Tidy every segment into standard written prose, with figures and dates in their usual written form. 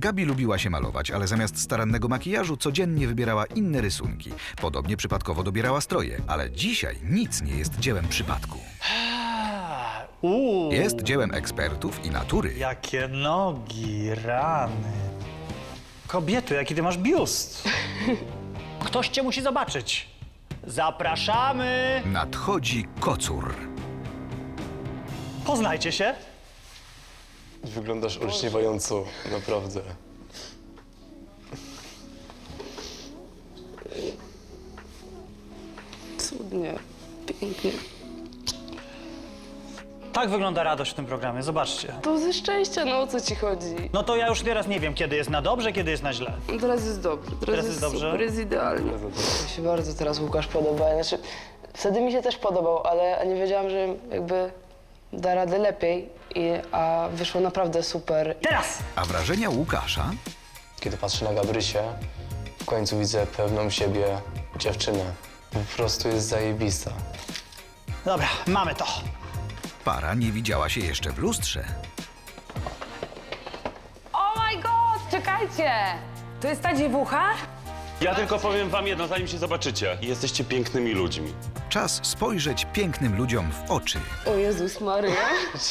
Gabi lubiła się malować, ale zamiast starannego makijażu codziennie wybierała inne rysunki. Podobnie przypadkowo dobierała stroje, ale dzisiaj nic nie jest dziełem przypadku. Jest dziełem ekspertów i natury. Jakie nogi, rany. Kobieto, jaki ty masz biust. Ktoś cię musi zobaczyć. Zapraszamy. Nadchodzi kocur. Poznajcie się. Wyglądasz olśniewająco, naprawdę. Cudnie, pięknie. Tak wygląda radość w tym programie, zobaczcie. To ze szczęścia, no o co ci chodzi? No to ja już teraz nie wiem, kiedy jest na dobrze, kiedy jest na źle. Teraz jest dobrze, teraz jest dobrze? super, jest idealnie. Mi się bardzo teraz Łukasz podoba, znaczy wtedy mi się też podobał, ale nie wiedziałam, że jakby da radę lepiej, a wyszło naprawdę super. Teraz! A wrażenia Łukasza? Kiedy patrzę na Gabrysię, w końcu widzę pewną siebie dziewczynę. Po prostu jest zajebista. Dobra, mamy to. Para nie widziała się jeszcze w lustrze. Oh my god, czekajcie! To jest ta dziewucha? Ja tylko powiem wam jedno, zanim się zobaczycie. Jesteście pięknymi ludźmi. Czas spojrzeć pięknym ludziom w oczy. O Jezus Maria.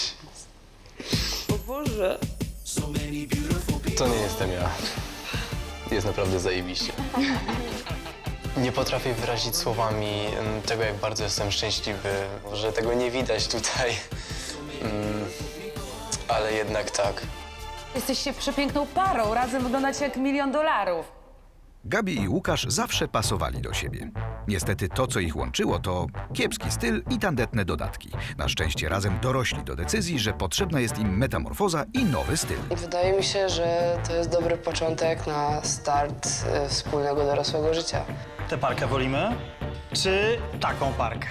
O Boże. To nie jestem ja. Jest naprawdę zajebiście. Nie potrafię wyrazić słowami tego, jak bardzo jestem szczęśliwy, że tego nie widać tutaj. Ale jednak tak. Jesteście przepiękną parą, razem wyglądacie jak $1 000 000. Gabi i Łukasz zawsze pasowali do siebie. Niestety to, co ich łączyło, to kiepski styl i tandetne dodatki. Na szczęście razem dorośli do decyzji, że potrzebna jest im metamorfoza i nowy styl. Wydaje mi się, że to jest dobry początek na start wspólnego dorosłego życia. Tę parkę wolimy? Czy taką parkę?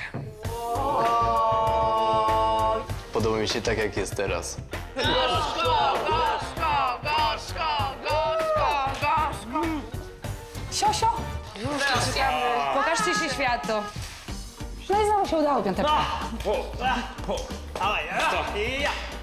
Podoba mi się tak, jak jest teraz. Siosio? Pokażcie się światu. No i znowu się udało, piąteczka. Dawaj, ja.